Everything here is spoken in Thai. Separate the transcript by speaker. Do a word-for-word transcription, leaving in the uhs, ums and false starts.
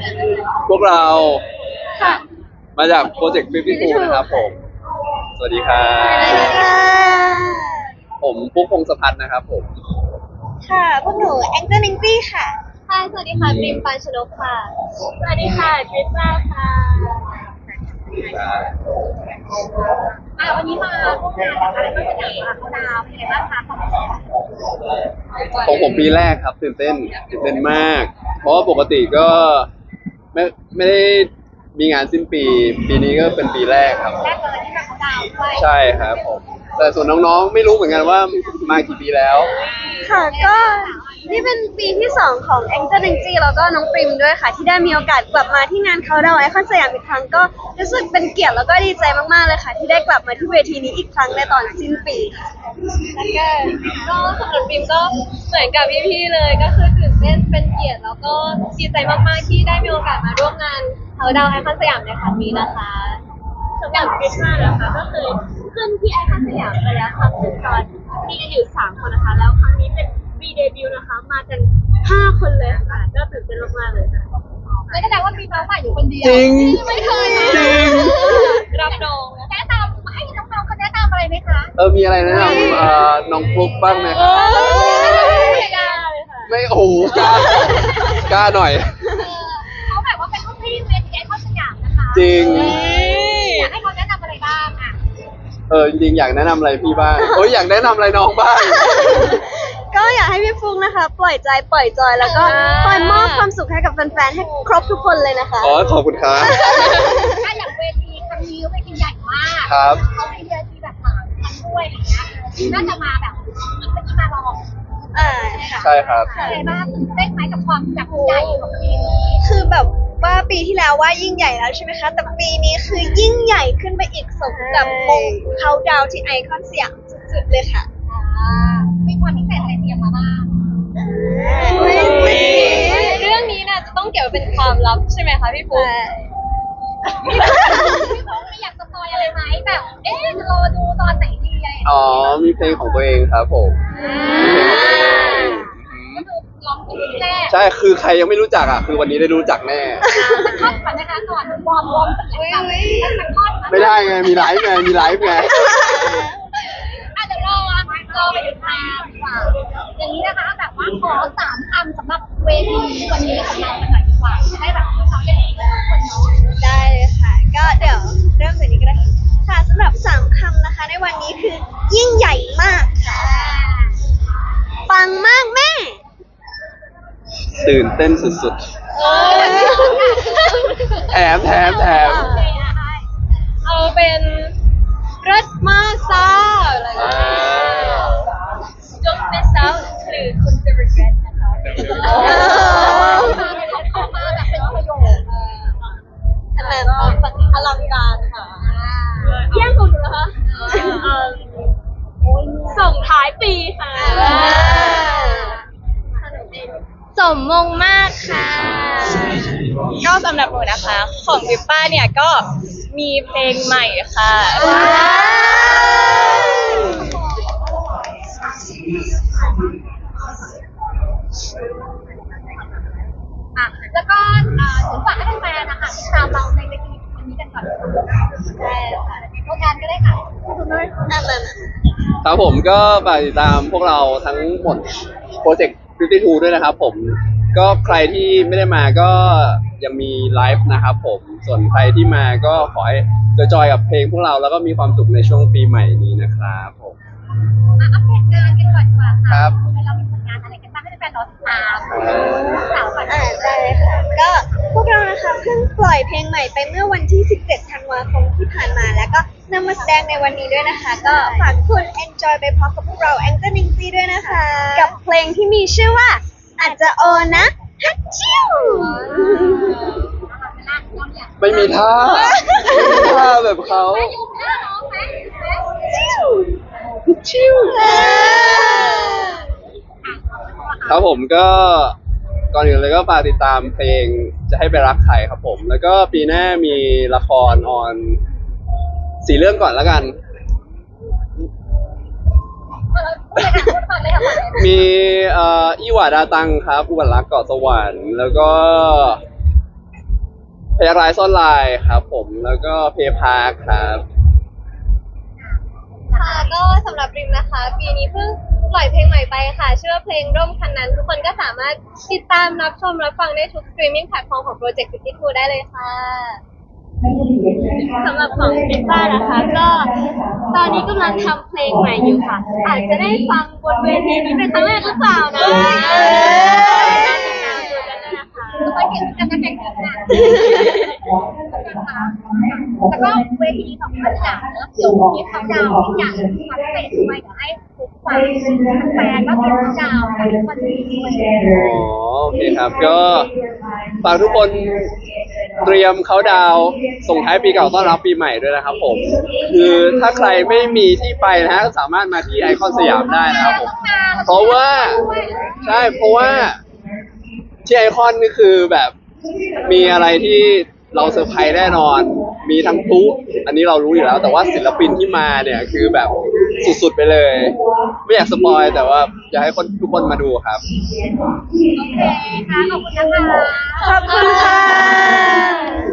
Speaker 1: พวกเรา
Speaker 2: ค่ะ
Speaker 1: มาจากโปรเจกต์ฟิฟตี้ทูนะครับผม สวัสดีครับ
Speaker 2: สวัสดีค่ะ
Speaker 1: ผมปุ๊กพงศพัฒน์นะครับผม
Speaker 2: ค่ะพวกหนูแองเจิลนิงตี้ค่ะ
Speaker 3: ค่ะสวัสดีค่ะดรีมปานชนกค่ะ สวัสดีค่ะดริปล่าค่ะอ่ะวันนี้มาพวกงานอะไรบ้างจะอยากมาเขาดาวเป็นไงบ้างคะของ
Speaker 1: ของผมปีแรกครับตื่นเต้นตื่นเต้นมาก เพราะว่าปกติก็ไม่ไม่ได้มีงานสิ้นปี ปีนี้ก็เป็นปีแรกครับ
Speaker 3: แรกเลยที่มาเขาดาวด้วย
Speaker 1: ใช่ครับผม แต่ส่วนน้องๆไม่รู้เหมือนกันว่ามากี่ปีแล้ว
Speaker 2: ค่ะก็นี่เป็นปีที่สองของแองเจิลนิงตี้แล้วก็น้องปริมด้วยค่ะ ที่ได้มีโอกาสกลับมาที่งานเขาดาวไอคอนสยามอีกครั้งก็รู้สึกเป็นเกียรติแล้วก็ดีใจมากๆเลยค่ะ ที่ได้กลับมาที่เวทีนี้อีกครั้งในตอนสิ้นปีค่ะ
Speaker 3: แล้วก็ก็สำหรับดรีมก็เหมือนกับพี่ๆเลยก็คือตื่นเต้นเป็นเกียรติแล้วก็ดีใจมากๆที่ได้มีโอกาสมาร่วมงานเขาดาวไอคอนสยามในครั้งนี้นะคะสำหรับคริสต์มาสนะคะก็คือขึ้นที่ไอคอนสยามไปแล้วครั้งหนึ่งตอนมีกันอยู่สามคนนะคะแล้วครั้งนี้เป็นวีเดบิวต์นะคะมากันห้าคนเลยค่ะก็ตื่นเต้นมากๆเลยค่ะไม่แสดงว่ามีน้องใหม่อยู่คนเดียว
Speaker 1: จริง
Speaker 3: ไม่เคยนะ
Speaker 1: จริง
Speaker 3: รับน้องแนะนำให้น้องๆเขาแนะนำอะไรไหมคะ
Speaker 1: เออ มีอะไรแนะนำเอ่อน้องฟลุ๊กบ้างไหมครับ
Speaker 3: ไม่ได้เลยค่ะ
Speaker 1: ไม่โอ้โหกล้ากล้าหน่อย
Speaker 3: เขาแบบว่าเป็นรุ่นพี่เวทีไอคอนสยามนะคะ
Speaker 1: จริง
Speaker 3: อยากให้เขาแนะนำอะไรบ้างอ่ะ
Speaker 1: เออจริงๆอยากแนะนำอะไรพี่บ้างโอ้ยอยากแนะนำอะไรน้องบ้าง
Speaker 2: ก็อยากให้พี่ฟุกนะคะ ปล่อยใจปล่อยจอยแล้วก็คอยมอบความสุขให้กับแฟนๆให้ครบทุกคนเลยนะคะ
Speaker 1: อ๋อขอบคุณครับ
Speaker 3: ถ้าอย่างเวทีครั้งนี้เวทีใหญ่มาก
Speaker 1: ครับ
Speaker 3: เขามีเวทีแบบหลายครั้งด้วยอะไรเงี้ยน่าจะมาแบบอีกเมื่อกี้มาลอง
Speaker 2: อ่าค่ะ
Speaker 1: ใช่ครับ
Speaker 3: เป็นไงบ้างตื่นเต้นไหมกับความแบบใหญ่ของปีนี้
Speaker 2: คือแบบว่าปีที่แล้วว่ายิ่งใหญ่แล้วใช่ไหมคะ แต่ปีนี้คือยิ่งใหญ่ขึ้นไปอีกสมกับมงเขาดาวที่ไอคอนสยามสุดๆเลยค่ะ
Speaker 3: อ่ามีความพิเศษอะไรเตรียมมาบ้าง
Speaker 2: ไม่สิ
Speaker 3: เรื่องนี้น่ะจะต้องเก็บไว้เป็นความลับใช่ไหมคะพี่ปุ๊กพี่ปุ๊กไม่อยากสปอยอะไรไหมแบบ เอ๊ะจะรอดูตอนไหนดีอะไรอย่างเงี้ย
Speaker 1: อ๋อมีเพลงของตัวเองครับผมมีเพลงของตัวเอง
Speaker 3: ก็คือลองดูที่แรก
Speaker 1: ใช่ คือใครยังไม่รู้จักอ่ะ คือวันนี้ได้รู้จักแน่
Speaker 3: สักท่อนก่อนนะคะก่อนวอร์มวอร์มสักท่อนสักท่อน
Speaker 1: ไม่ได้ไง มีไลฟ์ไง มีไลฟ์ไง
Speaker 3: อ่ะเดี๋ยวรอรอไปถึงทางดีกว่าอย่างนี้นะคะแบบว่าขอสามคำสำหรับเวทีวันนี้ของเรากันหน่อยดีกว่าจะได้แบบเขาได้ดีทุกคนเนาะ
Speaker 2: ได้เลยค่ะ ก็เดี๋ยวเริ่มจากนี้ก็ได้ค่ะสำหรับสามคำนะคะ ในวันนี้คือยิ่งใหญ่มากค่ะ ปังมากแม่
Speaker 1: ตื่นเต้นสุด
Speaker 3: เออ
Speaker 1: ๆ แถมแถมแถม
Speaker 3: เอาเป็นรถมากซ่าอะไรอย่าง
Speaker 1: อ่า
Speaker 3: เงี้ย Don't miss out หรือคุณจะ regret นะคะ
Speaker 2: อ
Speaker 3: เขามาแบบเป็นประโยค
Speaker 2: ขนาดอลังการค่ะ
Speaker 3: แย่งของหนูเหรอคะส่งท้ายปีค่ะ
Speaker 4: สมมงมากค่ะ ก็สำหรับหนูนะคะ ของวิปป้าเนี่ยก็มีเพลงใหม่ค่ะ
Speaker 3: อ่ะแล้วก็อ่าถึงฝากให้แฟนๆนะคะติดตามเราในเวทีวันนี้กันก่อนได้ค่ะโครงการก็ได้ค่ะคุณด้วย
Speaker 2: นั่นน่ะ
Speaker 1: ครับผมก็ฝากติดตามพวกเราทั้งหมดโปรเจกต์ฟิฟตี้ทูด้วยนะครับผม ก็ใครที่ไม่ได้มาก็ยังมีไลฟ์นะครับผม ส่วนใครที่มาก็ขอให้จอยๆกับเพลงพวกเราแล้วก็มีความสุขในช่วงปีใหม่นี้นะครับผม
Speaker 3: มาอัปเดตงานกันก่อนดีกว่าค่ะ
Speaker 1: ครับ
Speaker 3: เรามีผลงานอะไรกันบ้างให้แฟนๆรอติดตามสาวก่อน
Speaker 2: อ่าได้ค่ะ ก็พวกเรานะคะเพิ่งปล่อยเพลงใหม่ไปเมื่อวันที่ สิบเจ็ด ธันวาคมที่ผ่านมา แล้วก็นำมาแสดงในวันนี้ด้วยนะคะ ก็ฝากทุกคน enjoy ไปพร้อมกับพวกเรา a n g e l i n g ด้วยนะคะ กับเพลงที่มีชื่อว่า อาจจะโอนะฮัตชิว
Speaker 1: ไม่มีท่าไม่มีท่าแบบเขา
Speaker 3: ไม่ยุ่งหน้าน้องไหม
Speaker 2: ชิว
Speaker 1: ชิวครับผมก็ก่อนอื่นเลยก็ฝากติดตามเพลงจะให้ไปรักใครครับผม แล้วก็ปีหน้ามีละครออนสี่เรื่องก่อนแล้วกัน มีเอ่ออีหวาดาตังครับอุบัติรักเกาะสวรรค์แล้วก็พยารายซ่อนลายครับผมแล้วก็เพย์พาร์คครับ
Speaker 3: ค่ะก็สำหรับริมนะคะ ปีนี้เพิ่งปล่อยเพลงใหม่ไปค่ะชื่อว่าเพลงร่มคันนั้น ทุกคนก็สามารถติดตามรับชมรับฟังได้ทุกสตรีมมิ่งแพลตฟอร์มของ Project ฟิฟตี้ทูได้เลยค่ะ
Speaker 4: สำหรับของพิซซ่านะคะก็ตอนนี้กำลังทำเพลงใหม่อยู่ค่ะ อาจจะได้ฟังบนเวทีนี้เป็นครั้งแรกหรือเปล่านะติดตามดูกันด้วยนะคะ
Speaker 3: ทุกคนเก่งกันนะแข่งกันนะแล้วก็เวทีของภาคกลางเนอะเดี๋ยวมีเขาดาวที่อยากทำเสร็จด้วยเดี๋ยวให้ทุกฝ่ายแฟนก็เตรียมเขาดาวกันทุกคนด้วย
Speaker 1: อ๋อโอเคครับก็ฝากทุกคนเตรียมเขาดาวน์ส่งท้ายปีเก่าต้อนรับปีใหม่ด้วยนะครับผมคือถ้าใครไม่มีที่ไปนะฮะก็สามารถมาที่ไอคอนสยามได้นะครับผมเพราะว่าใช่เพราะว่าที่ไอคอนนี่คือแบบมีอะไรที่เราเซอร์ไพรส์แน่นอน มีทั้งพลุอันนี้เรารู้อยู่แล้ว แต่ว่าศิลปินที่มาเนี่ยคือแบบสุดๆไปเลย ไม่อยากสปอยแต่ว่าอยากให้คนทุกคนมาดูครับ
Speaker 3: โอเคค่ะ ขอบคุณนะคะ
Speaker 2: ขอบคุณค่ะ